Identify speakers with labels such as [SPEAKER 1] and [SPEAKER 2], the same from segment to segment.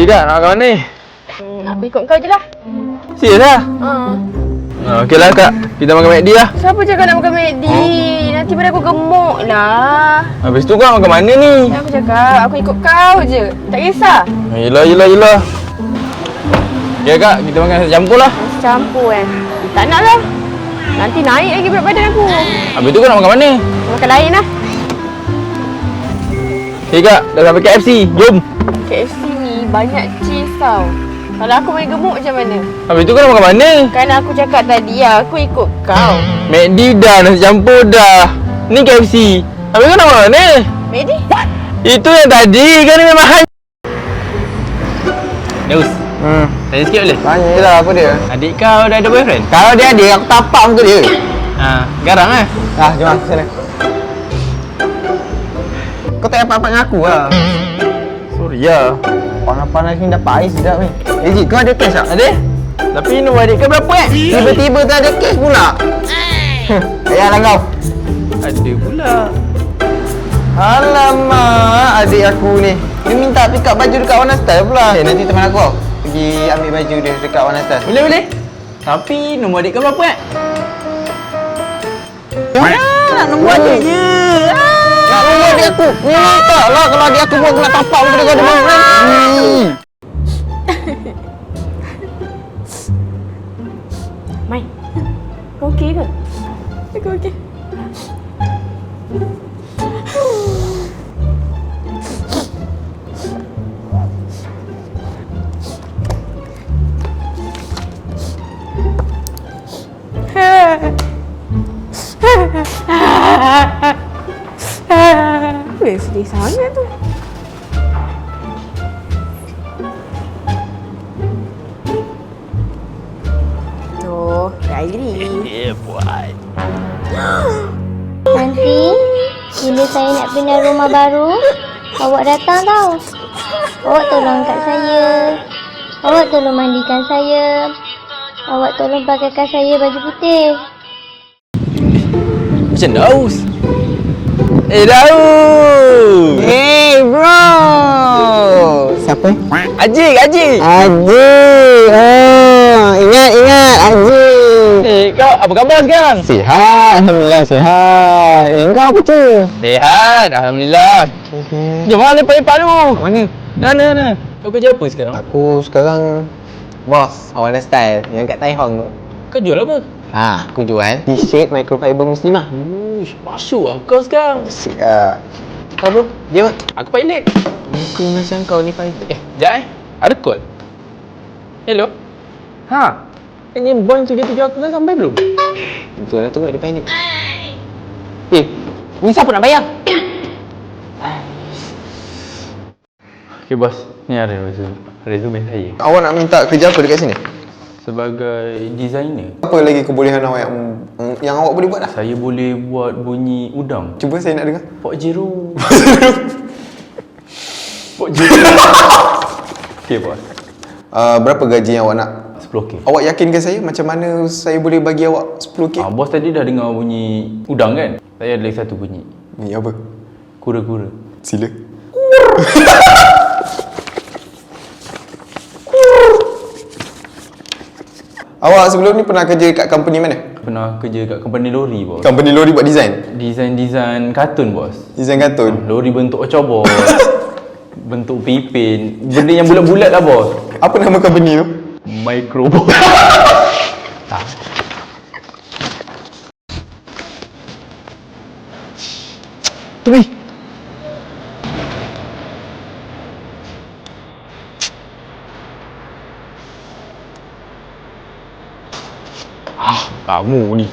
[SPEAKER 1] Kak, nak makan mana ni?
[SPEAKER 2] Aku ikut kau je lah.
[SPEAKER 1] Serius lah? Okey lah Kak, kita makan McD lah.
[SPEAKER 2] Siapa cakap nak makan McD? Nanti pada aku gemuk lah.
[SPEAKER 1] Habis tu kau nak makan mana ni?
[SPEAKER 2] Aku cakap, aku ikut kau je. Tak kisah.
[SPEAKER 1] Yelah. Okey Kak, kita makan nasi campur lah.
[SPEAKER 2] Nasi campur kan? Tak nak lah. Nanti naik lagi berat badan aku.
[SPEAKER 1] Habis tu kau nak makan mana?
[SPEAKER 2] Makan lain lah.
[SPEAKER 1] Okey Kak, dah sampai KFC. Jom.
[SPEAKER 2] KFC ni banyak cheese tau. Kalau aku main gemuk macam mana?
[SPEAKER 1] Habis tu kau nak makan mana?
[SPEAKER 2] Kan aku cakap tadi aku ikut kau.
[SPEAKER 1] McD dah, nasi campur dah. Ni KFC. Habis kau nak makan mana?
[SPEAKER 2] McD?
[SPEAKER 1] Itu yang tadi kan ni memang hanya. Neus. Tanya sikit boleh?
[SPEAKER 3] Tanya je lah, apa dia?
[SPEAKER 1] Adik kau dah ada boyfriend?
[SPEAKER 3] Kalau dia ada, aku tapak muka dia.
[SPEAKER 1] Garang lah.
[SPEAKER 3] Jom lah, sana. Kau tak apa-apa dengan aku lah.
[SPEAKER 1] Sorry lah.
[SPEAKER 3] Panas-panas ni dah pahit sedap ni. Jik, kau ada cash tak?
[SPEAKER 1] Ada? Tapi nombor adik kau berapa
[SPEAKER 3] Tiba-tiba tak ada cash pula. Payahlah kau.
[SPEAKER 1] Ada pula.
[SPEAKER 3] Alamak, adik aku ni. Dia minta pick up baju dekat Warna Style pula. Nanti teman aku pergi ambil baju dia dekat Warna Style.
[SPEAKER 1] Boleh. Tapi nombor adik kau berapa
[SPEAKER 3] Nak nombor adik je. Nak nombor adik aku. Tak lah, kalau adik aku pun aku nak tapak muka dia kau ada boyfriend.
[SPEAKER 2] Mai, kau okey ke? Aku okey. Sedih sangat tu. Oh, diary.
[SPEAKER 4] Nanti, bila saya nak pindah rumah baru, awak datang tau. Awak tolong angkat saya. Awak tolong mandikan saya. Awak tolong pakaikan saya baju putih.
[SPEAKER 1] Macam Daus. Daus!
[SPEAKER 3] Hey bro! Siapa?
[SPEAKER 1] Ajik!
[SPEAKER 3] Ajik! Ingat Ajik!
[SPEAKER 1] Kau apa khabar sekarang?
[SPEAKER 3] Sihat, Alhamdulillah sihat. Kau apa tu?
[SPEAKER 1] Sihat, Alhamdulillah. Jom lah lepak-lepak tu.
[SPEAKER 3] Mana?
[SPEAKER 1] Mana? Kau kerja apa sekarang?
[SPEAKER 3] Aku sekarang bos Warna Style yang kat Tai Hong tu.
[SPEAKER 1] Kau jual apa?
[SPEAKER 3] Aku jual t-shirt microfiber muslimah.
[SPEAKER 1] Masuk lah kau sekarang.
[SPEAKER 3] Siap. Kau bro, dia apa?
[SPEAKER 1] Aku pilot.
[SPEAKER 3] Muka macam kau ni pilot.
[SPEAKER 1] Sekejap ada call. Hello? Ini boy 77 aku dah sampai belum?
[SPEAKER 3] Betul lah tu dia pilot. Ni siapa nak bayar?
[SPEAKER 1] Okay bos, ni ada resume saya.
[SPEAKER 3] Awak nak minta kerja apa dekat sini?
[SPEAKER 1] Sebagai designer,
[SPEAKER 3] Apa lagi kebolehan awak yang awak boleh buat lah?
[SPEAKER 1] saya boleh buat bunyi udang.
[SPEAKER 3] Cuba saya nak dengar.
[SPEAKER 1] Pok Jero. Pok Jero. Okay bos.
[SPEAKER 3] Berapa gaji yang awak nak?
[SPEAKER 1] 10k.
[SPEAKER 3] Awak yakinkan saya macam mana saya boleh bagi awak 10k?
[SPEAKER 1] Bos tadi dah dengar bunyi udang kan? Saya ada lagi satu bunyi.
[SPEAKER 3] Ni apa?
[SPEAKER 1] Kura-kura.
[SPEAKER 3] Sila. Awak sebelum ni pernah kerja kat company mana?
[SPEAKER 1] Pernah kerja kat company lori bos.
[SPEAKER 3] Company lori buat design?
[SPEAKER 1] Design kartun bos.
[SPEAKER 3] Design kartun?
[SPEAKER 1] Lori bentuk ocobor. Bentuk pipin. Benda yang bulat-bulat lah bos.
[SPEAKER 3] Apa nama company tu?
[SPEAKER 1] Microbot. Tak. Tumi. Kamu ni.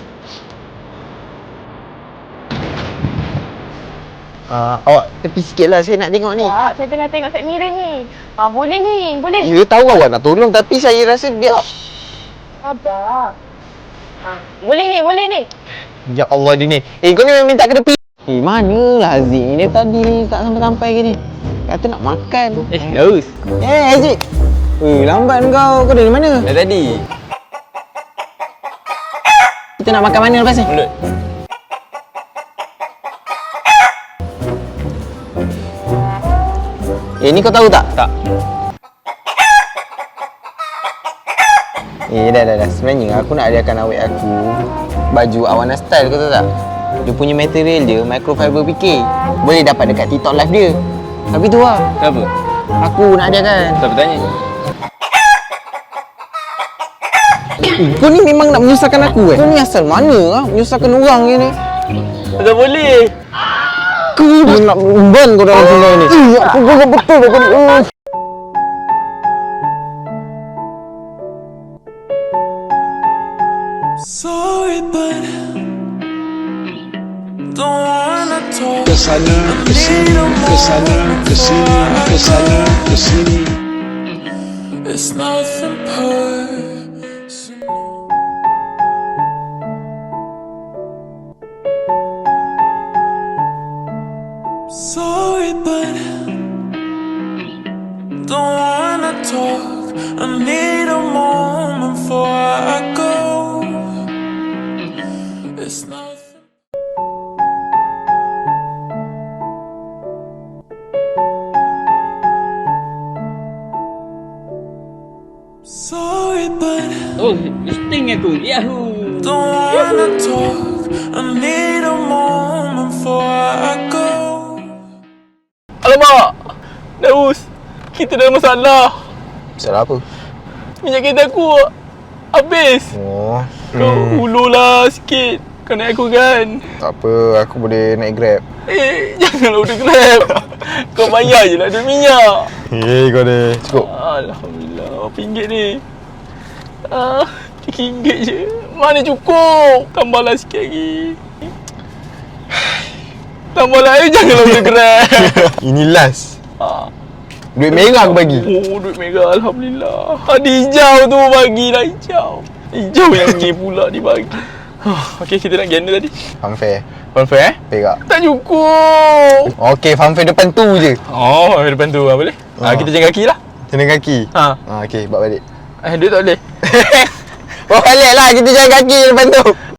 [SPEAKER 3] Awak tepi sikit lah, saya nak tengok ni.
[SPEAKER 2] Tak, saya tengah tengok set mirror ni. Boleh ni, boleh.
[SPEAKER 3] Ya tahu awak nak tolong tapi saya rasa dia...
[SPEAKER 2] Sabar. Boleh ni.
[SPEAKER 3] Ya Allah dia ni. Kau ni memang minta ke tepi. Manalah Aziz ni, dia tadi tak sampai-sampai ke ni. Kata nak makan.
[SPEAKER 1] Daus.
[SPEAKER 3] Aziz. Lambat kau. Kau dari mana?
[SPEAKER 1] Dah tadi.
[SPEAKER 3] Kita nak makan mana lepas ni?
[SPEAKER 1] Mulut.
[SPEAKER 3] Ni kau tahu tak?
[SPEAKER 1] Tak.
[SPEAKER 3] Dah. Sebenarnya aku nak hadiahkan awet aku baju Awana Style, kau tahu tak? Dia punya material dia microfiber PK. Boleh dapat dekat TikTok live dia. Tapi tu lah,
[SPEAKER 1] Kenapa?
[SPEAKER 3] aku nak hadiahkan.
[SPEAKER 1] Siapa tanya?
[SPEAKER 3] Kau ni memang nak menyusahkan aku Kau ni asal mana lah menyusahkan orang ni?
[SPEAKER 1] Tak boleh.
[SPEAKER 3] Aku nak ban kau dalam sungai ni. Aku geram betul kau ni.
[SPEAKER 5] Sorry, but don't wanna talk.
[SPEAKER 6] Kesana, kesini.
[SPEAKER 5] It's nothing personal. Sorry, but don't wanna talk. I need a moment before I go. It's nothing. Sorry, but
[SPEAKER 1] Oh, listing aku. Yahoo.
[SPEAKER 5] don't wanna talk. I need a moment before I go.
[SPEAKER 1] Alamak. Daus. Kita dah ada masalah.
[SPEAKER 3] Masalah apa?
[SPEAKER 1] Minyak kereta aku habis.
[SPEAKER 3] Oh,
[SPEAKER 1] Kau ulurlah sikit. Kau naik aku kan?
[SPEAKER 3] tak apa, aku boleh naik Grab.
[SPEAKER 1] Janganlah order Grab. Kau bayar je lah duit minyak.
[SPEAKER 3] Kau dah cukup.
[SPEAKER 1] Alhamdulillah. Berapa ringgit ni? RM3 je. Mana cukup? Tambahlah sikit lagi. Tambahlah. Janganlah order Grab.
[SPEAKER 3] Ini last.
[SPEAKER 1] Ah.
[SPEAKER 3] Duit merah aku bagi.
[SPEAKER 1] Oh, duit merah. Alhamdulillah. Ada hijau tu bagilah hijau. Hijau yang ni pula dibagi. Okey, kita nak ganda tadi.
[SPEAKER 3] Funfair.
[SPEAKER 1] Funfair
[SPEAKER 3] Perak.
[SPEAKER 1] Tak cukup.
[SPEAKER 3] Okey, funfair depan tu je.
[SPEAKER 1] Oh, depan tu boleh? Kita jalan kaki lah.
[SPEAKER 3] Jalan kaki.
[SPEAKER 1] Ha.
[SPEAKER 3] Okey, bawa balik.
[SPEAKER 1] Duit tak boleh.
[SPEAKER 3] Bawa balik lah, kita jalan kaki depan tu.